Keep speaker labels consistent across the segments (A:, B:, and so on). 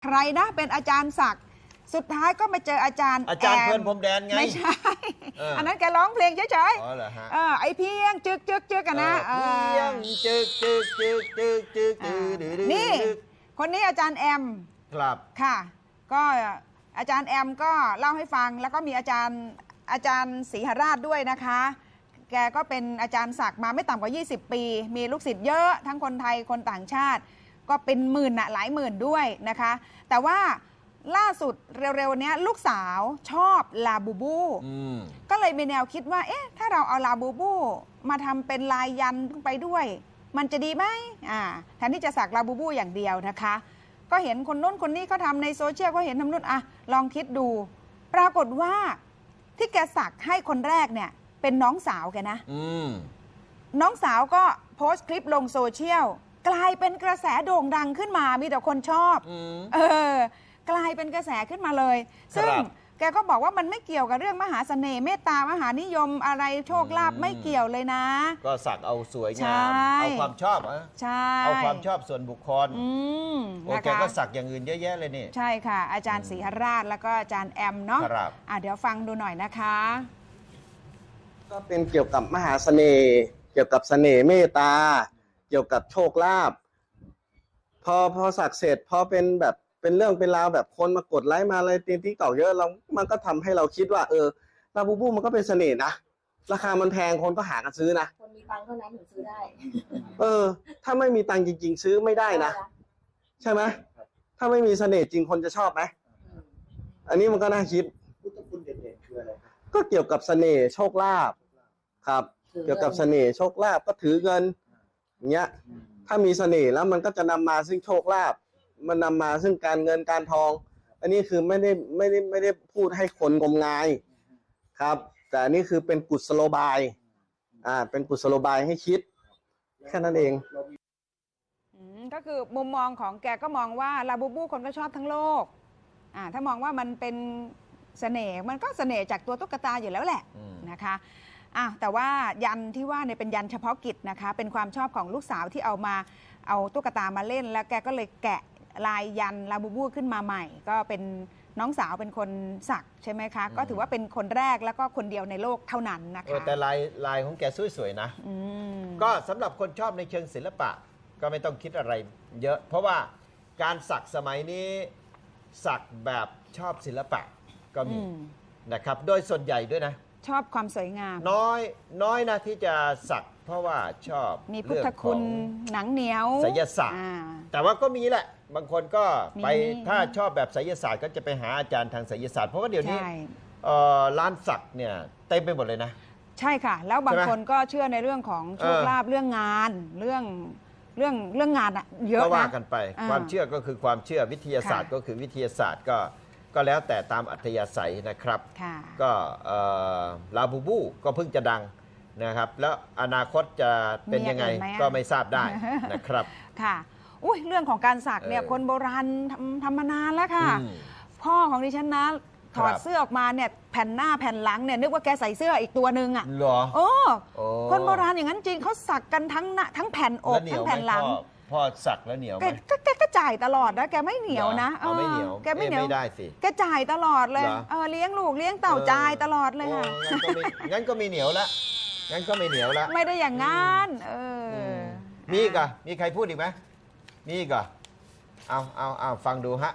A: ใครนะเป็นอาจารย์ศักดิ์สุดท้ายก็มาเจออาจารย์
B: อาจารย์เพื่อนผมแดนไง
A: ไม่ใช่อันนั้นแกร้องเพลงเฉย
B: ๆอ๋อเหรอฮะ
A: ไอเพียงจึกกันนะ
B: เพียงจึก
A: นี่คนนี้อาจารย์แอม
B: ครับ
A: ค่ะก็อาจารย์แอมก็เล่าให้ฟังแล้วก็มีอาจารย์ศรีหราชด้วยนะคะแกก็เป็นอาจารย์ศักดิ์มาไม่ต่ำกว่า20 ปีมีลูกศิษย์เยอะทั้งคนไทยคนต่างชาติก็เป็นหมื่นหลายหมื่นด้วยนะคะแต่ว่าล่าสุดเร็วๆนี้ลูกสาวชอบลาบูบูก็เลยมีแนวคิดว่าเอ๊ะถ้าเราเอาลาบูบูมาทำเป็นลายยันไปด้วยมันจะดีไหมแทนที่จะสักลาบูบูอย่างเดียวนะคะก็เห็นคนนู้นคนนี้เขาทำในโซเชียลก็เห็นทำนู้นลองคิดดูปรากฏว่าที่แกสักให้คนแรกเนี่ยเป็นน้องสาวแกนะน้องสาวก็โพสต์คลิปลงโซเชียลกลายเป็นกระแสโด่งดังขึ้นมามีแต่คนชอบกลายเป็นกระแสขึ้นมาเลยซึ่งแกก็บอกว่ามันไม่เกี่ยวกับเรื่องมหาเสน่ห์เมตตามหานิยมอะไรโชคลาภไม่เกี่ยวเลยนะ
B: ก็สักเอาสวยงามเอาความชอบ
A: ใช่
B: เอาความชอบส่วนบุคคลโอเคก็สักอย่างอื่นเยอะแยะเลยนี่
A: ใช่ค่ะอาจารย์ศรีหราชแล้วก็อาจารย์แอมเนาะเดี๋ยวฟังดูหน่อยนะคะ
C: ก็เป็นเกี่ยวกับมหาเสน่ห์เกี่ยวกับเสน่ห์เมตตาเกี่ยวกับโชคลาภพอสักเสร็จพอเป็นแบบเป็นเรื่องเป็นราวแบบคนมากดไลค์มาอะไรติ๊กเก่าเยอะมันก็ทำให้เราคิดว่าลาบูบูมันก็เป็นเสน่ห์นะราคามันแพงคนก็หากันซื้อนะ
D: คนมีตังค์เท่านั้นถึงซื้อได้
C: ถ้าไม่มีตังค์จริงๆซื้อไม่ได้นะใช่ไหมถ้าไม่มีเสน่ห์จริงคนจะชอบไหมอันนี้มันก็น่าคิดพุทธคุณเด่นๆคืออะไรก็เกี่ยวกับเสน่ห์โชคลาภครับเกี่ยวกับเสน่ห์โชคลาภก็ถือเงินอย่างเงี้ยถ้ามีเสน่ห์แล้วมันก็จะนำมาซึ่งโชคลาภมันนำมาซึ่งการเงินการทองอันนี้คือไม่ได้พูดให้คนงมงายครับแต่อันนี้คือเป็นกุศโลบายเป็นกุศโลบายให้คิดแค่นั้นเอง
A: ก็คือมุมมองของแกก็มองว่าลาบูบูคนก็ชอบทั้งโลกถ้ามองว่ามันเป็นเสน่ห์มันก็เสน่ห์จากตัวตุ๊กตาอยู่แล้วแหละนะคะแต่ว่ายันที่ว่าเนี่ยเป็นยันเฉพาะกิจนะคะเป็นความชอบของลูกสาวที่เอาตุ๊กตามาเล่นแล้วแกก็เลยแกะลายยันลาบูบูขึ้นมาใหม่ก็เป็นน้องสาวเป็นคนสักใช่ไหมคะก็ถือว่าเป็นคนแรกแล้วก็คนเดียวในโลกเท่านั้นนะคะ
B: แต่ลายของแกสวยๆนะก็สำหรับคนชอบในเชิงศิลปะก็ไม่ต้องคิดอะไรเยอะเพราะว่าการสักสมัยนี้สักแบบชอบศิลปะก็มีนะครับโดยส่วนใหญ่ด้วยนะ
A: ชอบความสวยงาม
B: น้อยนะที่จะสักเพราะว่าชอบ
A: มีพุทธคุณหนังเหนียว
B: ไสยศาสตร์แต่ว่าก็มีแหละบางคนก็ไปถ้าชอบแบบไสยศาสตร์ก็จะไปหาอาจารย์ทางไสยศาสตร์เพราะว่าเดี๋ยวนี้ร้านสักเนี่ยเต็มไปหมดเลยนะ
A: ใช่ค่ะแล้วบางคนก็เชื่อในเรื่องของโชคลาภเรื่องงานเรื่องงานเยอะนะ
B: ก็ว่ากันไปความเชื่อก็คือความเชื่อวิทยาศาสตร์ก็คือวิทยาศาสตร์ก็แล้วแต่ตามอัธยาศัยนะครับก็ลาบูบูก็เพิ่งจะดังนะครับแล้วอนาคตจะเป็นยังไงก็ไม่ทราบได้นะครับ
A: ค่ะเรื่องของการสักเนี่ยคนโบราณทำมานานแล้วค่ะพ่อของดิฉันนะถอดเสื้อออกมาเนี่ยแผ่นหน้าแผ่นหลังเนี่ยนึกว่าแกใส่เสื้ออีกตัวนึง
B: เหรอ
A: คนโบราณอย่างนั้นจริงเขาสักกันทั้งแผ่นอกทั้งแผ่นหลัง
B: พ่อสักแล้วเหนียวไหม
A: แกก็จ่ายตลอดนะแกไม่เหนียวนะ
B: ไม่เหนียว
A: แกไม่เหนียว
B: ไม่ได้สิ
A: แกจ่ายตลอดเลยเลี้ยงลูกเลี้ยงเต่าจ่ายตลอดเลยค่ะ
B: งั้นก็ไม่เหนียวละงั้นก็ไม่เหนียวละ
A: ไม่ได้อย่างงั้น
B: มีอีกอ่ะมีใครพูดอีกไหมมีอีกอ่ะเอาฟังดูฮะ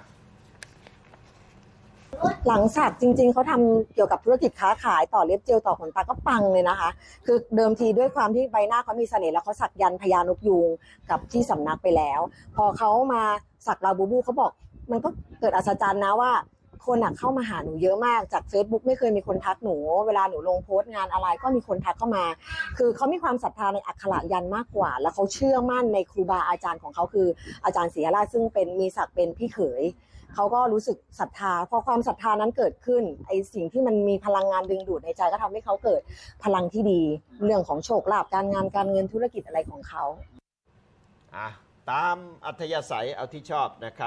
D: หลังสักจริงๆเขาทำเกี่ยวกับธุรกิจค้าขายต่อเล็บเจลต่อขนตาก็ปังเลยนะคะคือเดิมทีด้วยความที่ใบหน้าเขามีเสน่ห์แล้วเขาสักยันต์พญานกยูงกับที่สำนักไปแล้วพอเขามาสักลาบูบูเขาบอกมันก็เกิดอัศจรรย์นะว่าคนเข้ามาหาหนูเยอะมากจาก Facebook ไม่เคยมีคนทักหนูเวลาหนูลงโพสต์งานอะไรก็มีคนทักเข้ามาคือเขามีความศรัทธาในอักขระยันต์มากกว่าแล้วเขาเชื่อมั่นในครูบาอาจารย์ของเขาคืออาจารย์ศรีหราชซึ่งมีศักดิ์เป็นพี่เขยเขาก็รู้สึกศรัทธาพอความศรัทธานั้นเกิดขึ้นไอ้สิ่งที่มันมีพลังงานดึงดูดในใจก็ทำให้เขาเกิดพลังที่ดีเรื่องของโชคลาภการงานการเงินธุรกิจอะไรของเขา
B: ตามอัธยาศัยเอาที่ชอบนะครับ